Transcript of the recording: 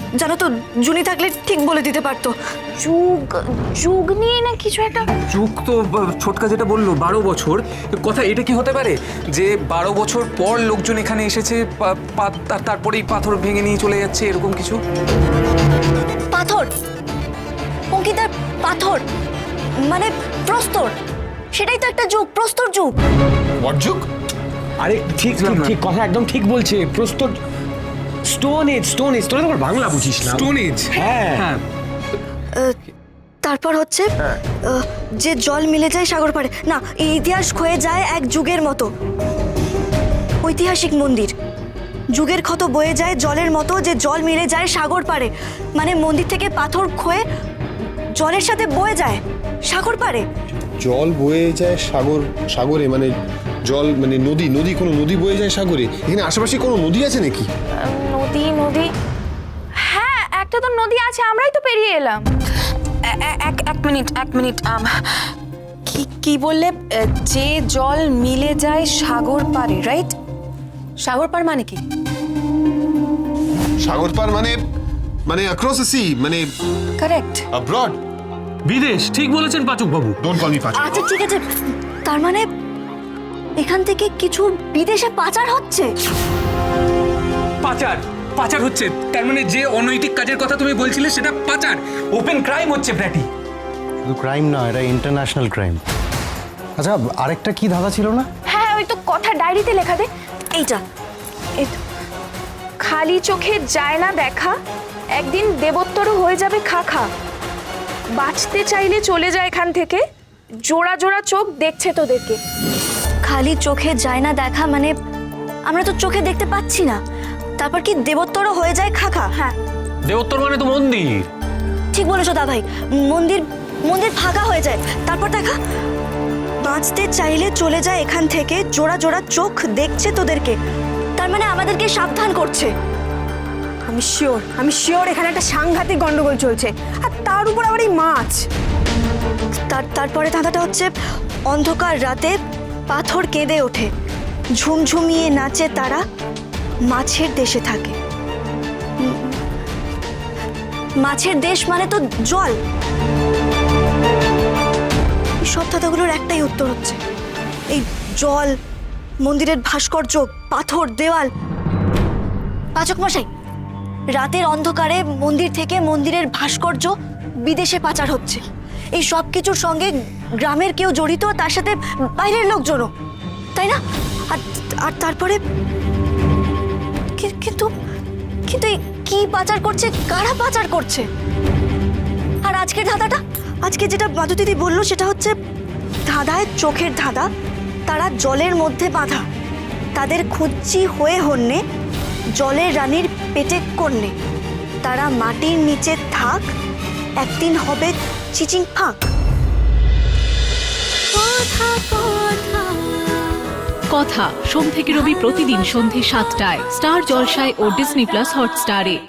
জানো তো জুনি থাকলে ঠিক বলে দিতে পারতো। যুগ যুগ নিয়ে না কিছু একটা। যুগ তো ছোটকা যেটা বললো 12 বছর কথা, এটা কি হতে পারে যে 12 বছর পর লোকজন এখানে এসেছে তারপরেই পাথর ভেঙে নিয়ে চলে যাচ্ছে, এরকম কিছু? পাথর অঙ্কিতার, পাথর মানে প্রস্তর, সেটাই তো একটা যুগ, প্রস্তর যুগ। হোয়াট যুগ? আরে ঠিক ঠিক কথা একদম ঠিক বলছে। প্রস্তর, স্টোন এজ, স্টোন এজ। তোরা তো বাংলা বুঝিস না। Stone age. হ্যাঁ হ্যাঁ, তারপর হচ্ছে যে জল মিলে যায় সাগর পাড়ে, না এই ইতিহাস ক্ষয়ে যায় এক যুগের মতো। ঐতিহাসিক মন্দির, যুগের ক্ষত বয়ে যায় জলের মতো, যে জল মিলে যায় সাগর পাড়ে, মানে মন্দির থেকে পাথর ক্ষয়ে জলের সাথে বয়ে যায় সাগর পাড়ে। জল বয়ে যায় সাগরে, মানে জল মানে নদী, কোনো নদী বয়ে যায় সাগরে? এখানে আশেপাশে কোনো নদী আছে নাকি? নদী, হ্যাঁ একটা তো নদী আছে, আমরাই তো পেরিয়ে এলাম। এক মিনিট কি বললে? যে জল মিলে যায় সাগর পারে, রাইট? সাগর পার মানে কি? সাগর পার মানে অ্যাক্রস দ্য সি, মানে কারেক্ট। অ্যাব্রড। বিদেশ। ঠিক বলেছেন পাচক বাবু। ডোন্ট কল মি পাচক। আচ্ছা ঠিক আছে, তার মানে এখান থেকে কিছু বিদেশে পাচার হচ্ছে। পাচার হচ্ছে, তার মানে যে অনৈতিক কাজের কথা তুমি বলছিলে সেটা পাচার, ওপেন ক্রাইম হচ্ছে ব্র্যাটি। শুধু ক্রাইম না, এটা ইন্টারন্যাশনাল ক্রাইম। আচ্ছা, আরেকটা কি ধাঁধা ছিল না? হ্যাঁ ওই তো কথা ডায়েরিতে লেখা দে। এইটা এই তো, খালি চোখে যায় না দেখা, একদিন দেবোত্তরও হয়ে যাবে খা খা। বাঁচতে চাইলে চলে যায় এখান থেকে, জোড়া জোড়া চোখ দেখছে তোদেরকে। খালি চোখে যায় না দেখা, মানে আমরা তো চোখে দেখতে পাচ্ছি না, তারপর কি দেবোত্তরও হয়ে যায় খাখা? হ্যাঁ দেবোত্তর মানে তো মন্দির। ঠিক বলেছো দা ভাই, মন্দির ফাঁকা হয়ে যায়, তারপর দেখা বাঁচতে চাইলে চলে যায় এখান থেকে, জোড়া জোড়া চোখ দেখছে তোদেরকে, তার মানে আমাদেরকে সাবধান করছে। আমি শিওর এখানে একটা সাংঘাতিক গন্ডগোল চলছে, আর তার উপর আবার এই মাছ। তারপরে ধাঁধাটা হচ্ছে অন্ধকার রাতে পাথর কেঁদে ওঠে, ঝুমঝুমিয়ে নাচে তারা, মাছের দেশে থাকে। মাছের দেশ মানে তো জল। এই সব ধাঁধাগুলোর একটাই উত্তর হচ্ছে এই জল, মন্দিরের ভাস্কর্য, পাথর, দেওয়াল। পাচক মশাই, রাতের অন্ধকারে মন্দির থেকে মন্দিরের ভাস্কর্য বিদেশে পাচার হচ্ছে, এই সব কিছুর সঙ্গে গ্রামের কেউ জড়িত, তার সাথে বাইরের লোকজনও, তাই না? আর তারপরে কিন্তু এই কি পাচার করছে, কারা পাচার করছে? আর আজকের ধাঁধাটা, আজকে যেটা মাধু দিদি বললো সেটা হচ্ছে ধাঁধায় চোখের ধাঁধা, তারা জলের মধ্যে বাঁধা, তাদের খুঁজছি হয়ে হন্যে, জলের রানীর পেটে কন্যে, তারা মাটির নিচে থাক, একদিন হবে চিচিং ফাঁক। কথা সোম থেকে রবি প্রতিদিন সন্ধে 7টায় স্টার জলসায় ও ডিজনি প্লাস হটস্টারে।